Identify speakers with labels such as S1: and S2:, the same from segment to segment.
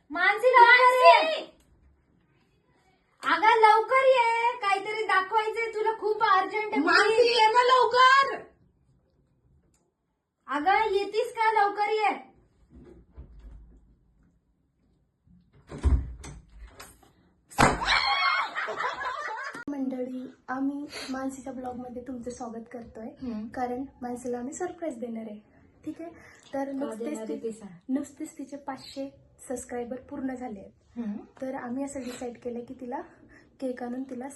S1: मानसी लवकर ये. अगं लवकर ये, काहीतरी दाखवायचंय तुला, खूप अर्जंट आहे.
S2: मानसी ये ना लवकर.
S1: अगं येतीस का? लवकर ये.
S3: मंडळी, आम्ही मानसीच्या ब्लॉग मध्ये तुमचं स्वागत करतोय. कारण मानसीला आम्ही सरप्राईज देणार आहे. ठीक आहे, तर नुकतेच तिचे 500 सबस्क्रायबर पूर्ण झाले आहेत. तर आम्ही असं डिसाईड केलं की तिला केक आणून तिला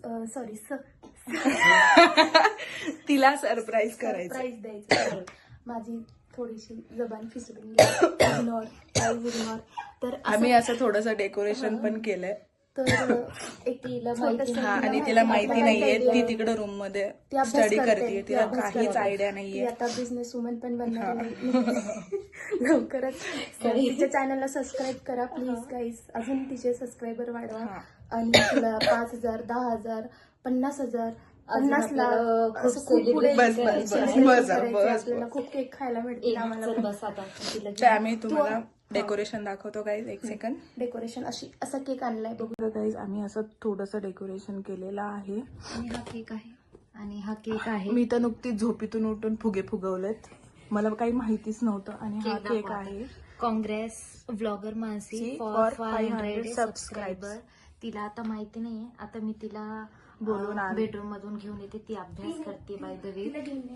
S2: तिला सरप्राईज करायचं.
S3: सरप्राईज द्यायचं. माझी थोडीशी जबान फिसडून इग्नोर. तर
S2: आम्ही असं थोडंसं डेकोरेशन पण केलंय.
S3: तर एक
S2: आणि तिला माहिती नाहीये, ती तिकडे रूम मध्ये स्टडी करते, तिला काहीच आयडिया नाहीये.
S3: आता बिझनेस वुमन पण बनणार आहे. लवकरच तिच्या चॅनलला सबस्क्राईब करा प्लीज गाईज. अजून तिचे सबस्क्रायबर वाढवा आणि तिला 5,000, 10,000, 50,000, 50 लाख असं खूप पुढे आपल्याला खूप केक खायला मिळतील आम्हाला.
S2: तर आम्ही तुम्हाला डेकोरेशन दाखवतो गाईज. एक सेकंड.
S3: डेकोरेशन असा केक आणलाय बघू
S2: गाईज. आम्ही असं थोडंसं डेकोरेशन केलेलं आहे.
S1: आणि हा केक आहे. आणि हा केक आहे.
S2: मी तर नुकतीच झोपेतून उठून फुगे फुगवलेत, मला काही माहितीच नव्हतं. आणि हा केक आहे.
S1: Congrats vlogger Mansi for 500 subscriber. तिला आता माहिती नाहीये. आता मी तिला
S2: बोलून
S1: बेडरूम मधून घेऊन येते. ती अभ्यास करते बाय द वे.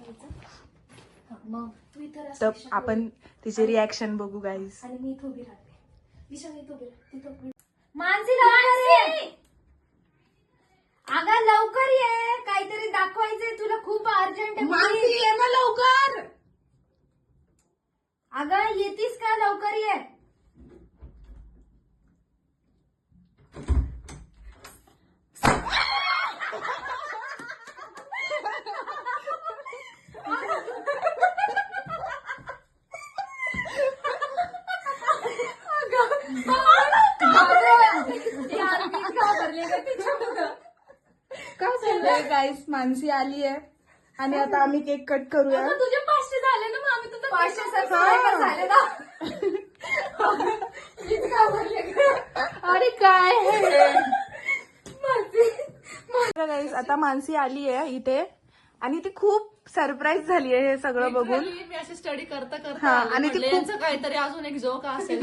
S1: मग
S2: तर आपण तिचे रिॲक्शन बघू गाईज.
S3: आणि मी इथं उभी राहते. विशाल इथं उभी राहते. तिथं उभी.
S1: मानसी लवकर ये. अगं लवकर ये, काहीतरी दाखवायचंय तुला, खूप अर्जंट आहे.
S2: मानसी ये ना लवकर.
S1: अगं येतीस का? लवकर ये.
S2: काय चाललंय गाईस? मानसी आली आहे आणि आता आम्ही केक कट करूया.
S1: तुझे 500 झाले ना, मग आम्ही तुझं 500 सबस्क्रायबर झाले ना.
S2: अरे काय गाईस, आता मानसी आली आहे इथे आणि ती खूप सरप्राईज झाली आहे हे सगळं बघून.
S4: मी अशी स्टडी करता
S2: हा,
S4: करता
S2: आणि ती खूप-
S4: यांचं काहीतरी अजून एक जोक असेल.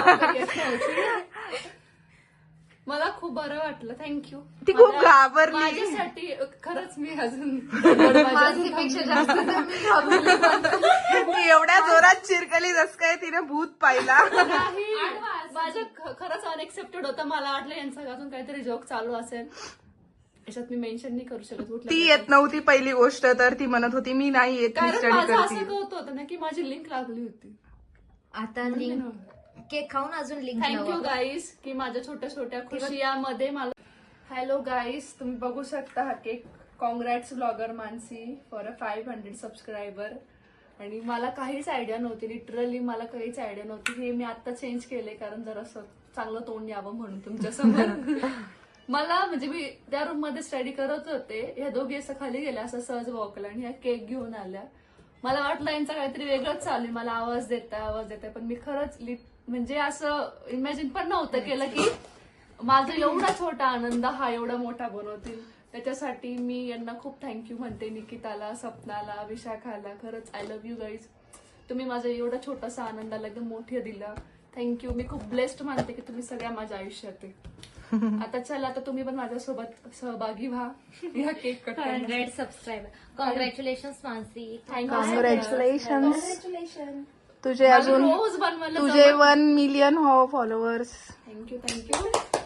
S4: मला खूप बरं वाटलं. थँक्यू.
S2: ती खूप घाबरली.
S4: माझ्यासाठी खरंच मी अजून
S1: मानसीपेक्षा जास्त तर मी घाबरली.
S2: ती एवढ्या जोरात चिरकली जस काय तिने भूत पाहिला.
S4: माझं खरंच अनएक्सेप्टेड होतं. मला वाटलं यांचा अजून काहीतरी जोक चालू असेल. याच्यात मी मेन्शन नाही करू शकत कुठलं.
S2: ती येत नव्हती पहिली गोष्ट, तर ती म्हणत होती मी नाही येत, मी
S4: कारण
S2: स्टडी
S4: माझं असं
S2: करते.
S4: होत होतं ना की माझी लिंक लागली होती.
S1: आता लिंक केक खाऊन अजून लिंक.
S4: थँक्यू गाईस की माझ्या छोट्या छोट्या खुशियामध्ये मला. हॅलो गाईस, तुम्ही बघू शकता हा cake. Congrats blogger Mansi for a 500 subscriber. आणि मला काहीच आयडिया नव्हती, लिटरली मला काहीच आयडिया नव्हती. हे मी आता चेंज केले कारण जरासं चांगलं तोंड यावं म्हणून तुमच्या समोर. मला म्हणजे मी त्या रूम मध्ये स्टडी करत होते, ह्या दोघी असं खाली गेल्या असं सहज वॉकला आणि ह्या केक घेऊन आल्या. मला वाटलं यांचा काहीतरी वेगळंच चालू आहे, मला आवाज देताय. पण मी खरंच म्हणजे असं इमॅजिन पण नव्हतं केलं की माझा एवढा छोटा आनंद हा एवढा मोठा बनवतील. त्याच्यासाठी मी यांना खूप थँक्यू म्हणते. निकिताला, सपनाला, विशाखाला. खरंच आय लव्ह यू गाईज. तुम्ही माझा एवढा छोटासा आनंदाला एकदम मोठे दिला. थँक्यू. मी खूप ब्लेस्ड मानते की तुम्ही सगळ्या माझ्या आयुष्यात आहे. आता चला, आता तुम्ही पण माझ्यासोबत सहभागी व्हा या cake cut
S1: 100 subscriber. Congratulation Mansi.
S2: Congratulation. तुझे
S4: मला
S2: अजून
S4: रोज बनवायला
S2: तुझे 1 मिलियन हो फॉलोअर्स.
S4: थँक्यू.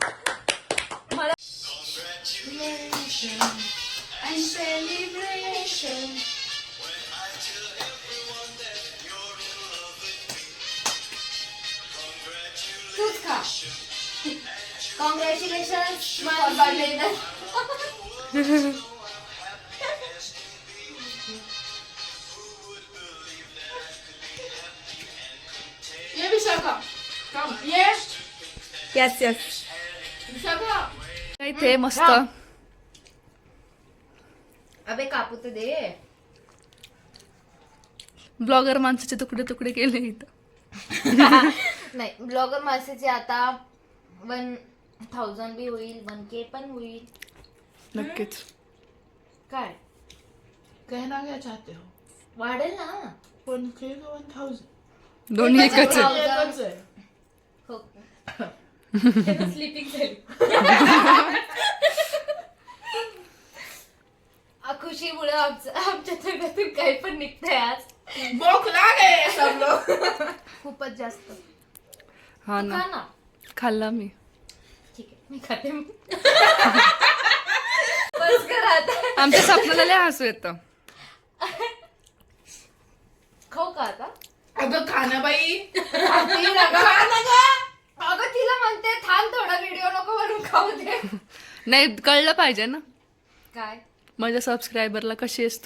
S1: तूच खा. कॉंग्रॅच्युलेशन.
S4: ये विशाखा, come. ये
S2: येस.
S4: विशाखा. इथे मस्त
S1: अबे कापू तर दे.
S4: ब्लॉगर माणसाचे तुकडे तुकडे केले इथं.
S1: नाही ब्लॉगर माणसाचे आता 1000 बी होईल 1K पण होईल.
S2: नक्कीच.
S1: काय
S4: कहना क्या चाहते हो?
S1: वाढेल ना.
S4: 1K का 1000?
S2: दोन्ही एकच आहे.
S4: एकच आहे.
S1: हो स्लिपिंग झाली. खुशीमुळे आमच्या तोंडातून काही पण निघतंय आज.
S4: बोखला गए सब लोग.
S3: खूपच जास्त.
S2: हा
S1: तू
S2: ना,
S1: खा ना.
S2: खाल्ला मी.
S1: ठीक आहे मी खाते. बस कर आता.
S2: आमच्या स्वप्नाला लय हसू येतं.
S1: खाऊ का आता?
S4: अगं खाना बाई.
S1: अगं तिला म्हणते थांब थोडा व्हिडिओ नको म्हणून खाऊ दे.
S2: नाही कळलं पाहिजे ना
S1: काय
S2: माझ्या सबस्क्रायबरला कशी आहेस तू.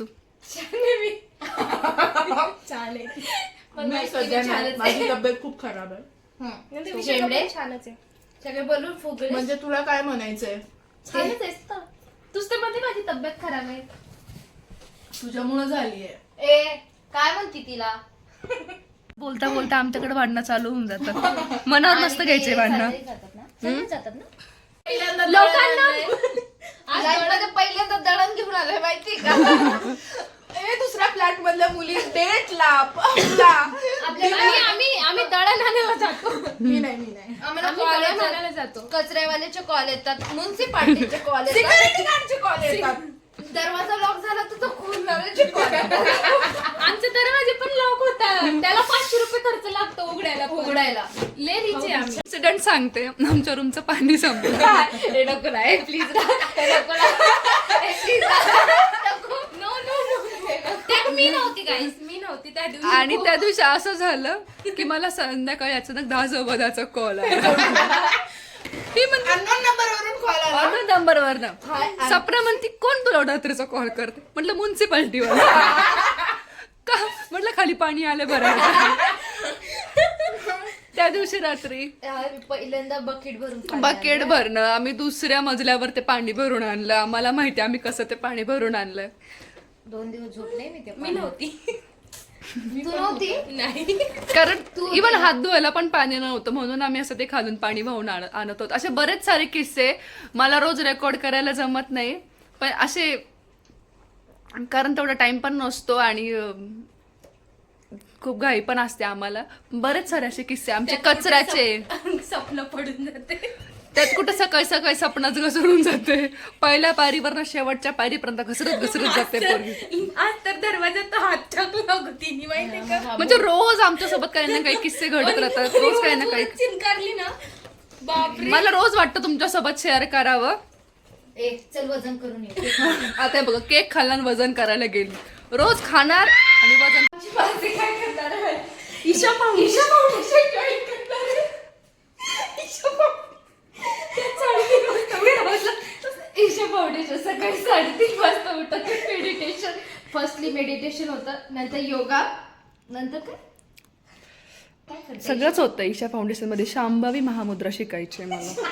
S3: छान आहे.
S1: पण
S4: मी सध्या नाही, माझी तब्येत खूप खराब आहे.
S1: शेंबडे
S3: छानच आहे.
S1: सगळे बोलून फुगले.
S4: म्हणजे तुला काय म्हणायचंय?
S3: छानच आहेस तर. तूच तर मध्ये माझी तब्येत खराब आहे.
S4: तुझ्यामुळे झालीये.
S1: ए काय म्हणती तिला.
S2: बोलता बोलता आमच्याकडे भांडणं चालू होऊन जातात. मनावर नसतं घ्यायचे भांडणं.
S1: जातात ना
S3: लोकांना
S1: आज पहिल्यांदा दळण घेऊन आलोय माहिती का.
S4: ए दुसऱ्या फ्लॅट मधल्या मुली डेटला पबला.
S3: आम्ही दळण आणायला जातो.
S4: मी नाही
S1: आम्हाला
S3: आम्ही
S1: कॉल
S3: दळण आणायला
S1: येतात.
S3: जातो.
S1: कचऱ्यावाल्याचे कॉल येतात. म्युन्सिपाल्टीचे कॉल येतात.
S4: सिक्युरिटी गार्डचे कॉल येतात.
S1: दरवाजा लॉक झाला तर तो खोलणाऱ्याचे कॉल येतात.
S3: आमचे दरवाजे पण लॉक होतात. त्याला 500 रुपये खर्च लागतो
S1: उघडायला.
S3: ले रिचे आम्ही.
S2: इन्सिडेंट सांगते. आमच्या रूमचं पाणी संपलं.
S1: हे नको ना प्लीज नको
S3: नो नो नो. त्यात मी नव्हती गाईस. मी नव्हती त्या दिवशी.
S2: आणि त्या दिवशी असं झालं की मला संध्याकाळी अचानक 10 कॉल आला. ती म्हणते
S4: अननोन नंबरवरून कॉल आला.
S2: ऑर्डर नंबरवर ना. सपना म्हणती कोण तुला रात्रीचा कॉल करते. म्हटलं म्युन्सिपाल्टीवर. का म्हटलं खाली पाणी आलं बरं. त्या दिवशी रात्री
S1: पहिल्यांदा बकेट भरून पाणी
S2: बकेट भरणं. आम्ही दुसऱ्या मजल्यावर ते पाणी भरून आणलं. आम्हाला माहिती आम्ही कसं ते पाणी भरून आणलं.
S1: आणलं. 2 दिवस झोपले मी ते
S3: मी नव्हती.
S1: तू नव्हती
S3: नाही.
S2: कारण इव्हन हात धुवायला पण पाणी नव्हतं म्हणून आम्ही असं ते खालून पाणी वाहून आणत होतो. असे बरेच सारे किस्से मला रोज रेकॉर्ड करायला जमत नाही पण असे कारण तेवढा टाइम पण नसतो आणि खूप घाई पण असते आम्हाला. बरेच सारे असे किस्से आमचे कचऱ्याचे.
S3: स्वप्न पडून जाते.
S2: त्यात कुठं सकाळी सकाळी सपनाच घसरून जाते. पहिल्या पायरीवर शेवटच्या पायरीपर्यंत घसरत जाते पोरगी.
S3: आज तर दरवाजात हात टाकला तिने माहितीये का.
S2: म्हणजे रोज आमच्यासोबत काही ना काही किस्से घडत राहतात. रोज काही ना काही.
S3: चिनकारली ना बापरे.
S2: मला रोज वाटतं तुमच्यासोबत शेअर करावं.
S1: ए चल वजन करून ये.
S2: आता बघा केक खाल्ला आणि वजन करायला गेली. रोज खाणार आणि वजन.
S3: काय करणार आहे? ईशा फाउंडेशन जॉईन करणार आहे. ईशा
S1: ईशा फाउंडेशन सकाळी 3:30 वाजता उठत मेडिटेशन. फर्स्टली मेडिटेशन होतं नंतर योगा नंतर काय
S2: सगळंच होतं ईशा फाउंडेशन मध्ये. शांभवी महामुद्रा शिकायची आहे मला.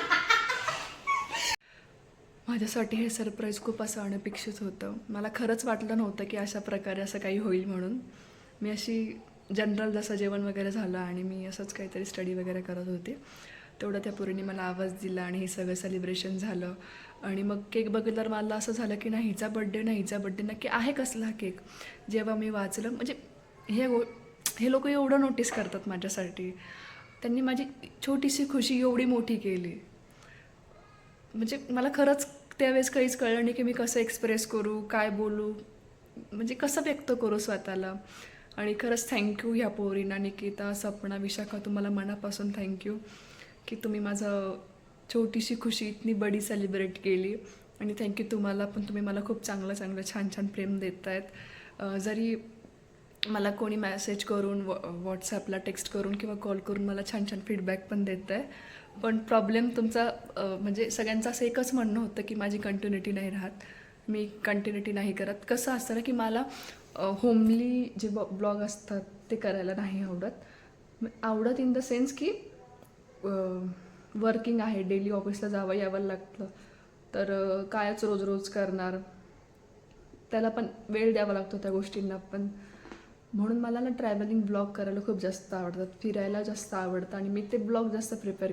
S2: माझ्यासाठी हे सरप्राईज खूप असं अनपेक्षित होतं. मला खरंच वाटलं नव्हतं की अशा प्रकारे असं काही होईल म्हणून. मी अशी जनरल जसं जेवण वगैरे झालं आणि मी असंच काहीतरी स्टडी वगैरे करत होते तेवढं त्या पोरीने मला आवाज दिला आणि हे सगळं सेलिब्रेशन झालं. आणि मग केक बघितल्यावर मला असं झालं की नाही हिचा बड्डे नक्की आहे कसला केक. जेव्हा मी वाचलं म्हणजे हे लोक एवढं नोटीस करतात माझ्यासाठी. त्यांनी माझी छोटीशी खुशी एवढी मोठी केली. म्हणजे मला खरंच त्यावेळेस काहीच कळलं नाही की मी कसं एक्सप्रेस करू काय बोलू म्हणजे कसं व्यक्त करू स्वतःला. आणि खरंच थँक्यू ह्या पोरींना निकिता सपना विशाखा तुम्हाला मनापासून थँक्यू की तुम्ही माझं छोटीशी खुशी इतनी बडी सेलिब्रेट केली. आणि थँक्यू तुम्हाला पण तुम्ही मला खूप चांगलं छान प्रेम देत आहेत. जरी मला कोणी मेसेज करून व्हॉट्सॲपला टेक्स्ट करून किंवा कॉल करून मला छान फीडबॅक पण देत आहे. पण प्रॉब्लेम तुमचा म्हणजे सगळ्यांचं असं एकच म्हणणं होतं की माझी कंटिन्युटी नाही राहत. मी कंटिन्युटी नाही करत. कसं असतं ना की मला होमली जे ब्लॉग असतात ते करायला नाही आवडत इन द सेन्स की वर्किंग आहे डेली ऑफिसला यावं लागतं तर कायच रोज करणार त्याला पण वेळ द्यावा लागतो त्या गोष्टींना पण. म्हणून मला ना ट्रॅव्हलिंग ब्लॉग करायला खूप जास्त आवडतात, फिरायला जास्त आवडतं आणि मी ते ब्लॉग जास्त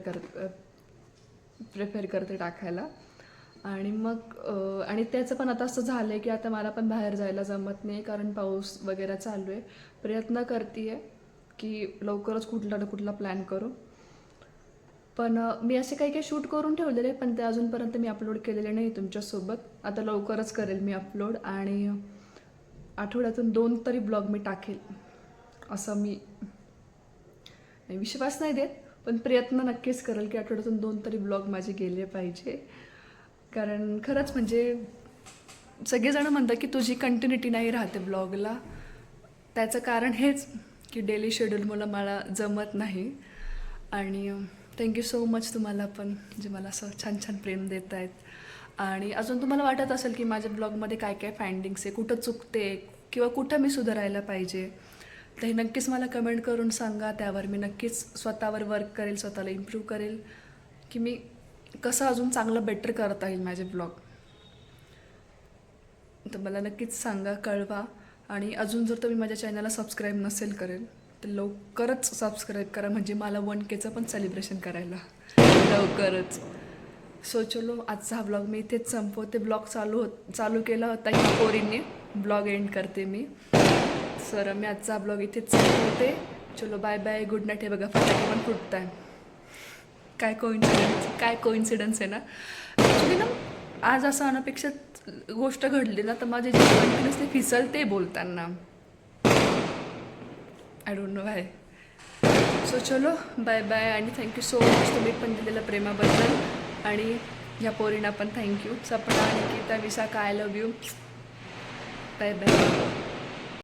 S2: प्रिफेअर करते टाकायला. आणि मग आणि त्याचं पण आता असं झालं आहे की आता मला पण बाहेर जायला जमत नाही कारण पाऊस वगैरे चालू आहे. प्रयत्न करते आहे की लवकरच कुठला ना कुठला प्लॅन करू. पण मी असे काही काही शूट करून ठेवलेले पण ते अजूनपर्यंत मी अपलोड केलेले नाही तुमच्यासोबत. आता लवकरच करेल मी अपलोड आणि आठवड्यातून 2 तरी ब्लॉग मी टाकेल असं मी विश्वास नाही देत, पण प्रयत्न नक्कीच करेल की आठवड्यातून 2 तरी ब्लॉग माझे गेले पाहिजे. कारण खरंच म्हणजे सगळेजण म्हणतात की तुझी कंटिन्युटी नाही राहते ब्लॉगला. त्याचं कारण हेच की डेली शेड्यूलमुळे मला जमत नाही. आणि थँक्यू सो मच तुम्हाला पण जे मला असं छान छान प्रेम देत आहेत. आणि अजून तुम्हाला वाटत असेल की माझ्या ब्लॉगमध्ये काय काय फाइंडिंग्स आहे, कुठं चुकते किंवा कुठं मी सुधारायला पाहिजे, तर हे नक्कीच मला कमेंट करून सांगा. त्यावर मी नक्कीच स्वतःवर वर्क करेल, स्वतःला इम्प्रूव्ह करेल की मी कसं अजून चांगलं बेटर करता येईल माझे ब्लॉग. तर मला नक्कीच सांगा, कळवा. आणि अजून जर तुम्ही माझ्या चॅनलला सबस्क्राईब नसेल करेल तर लवकरच सबस्क्राईब करा, म्हणजे मला 1Kचं पण सेलिब्रेशन करायला लवकरच. सो चलो आजचा हा ब्लॉग मी इथेच संपवते. ब्लॉग चालू केला होता ह्या पोरींनी, ब्लॉग एंड करते मी. सर मी आजचा ब्लॉग इथेच संपवते. चलो बाय बाय, गुड नाईट. हे बघा फटाके पण फुटत आहे. काय कोइन्सिडन्स आहे ना. ॲक्च्युली ना आज असं अनपेक्षित गोष्ट घडली ना तर माझे जे कंटिन्युअसली फिसलते बोलताना. I don't know why. So चलो बाय बाय आणि थँक्यू सो मच तुम्ही पण दिलेल्या प्रेमाबद्दल. आणि ह्या पोरींना पण thank you. Sapna, Nikita, Vishakha, I love you. Bye bye.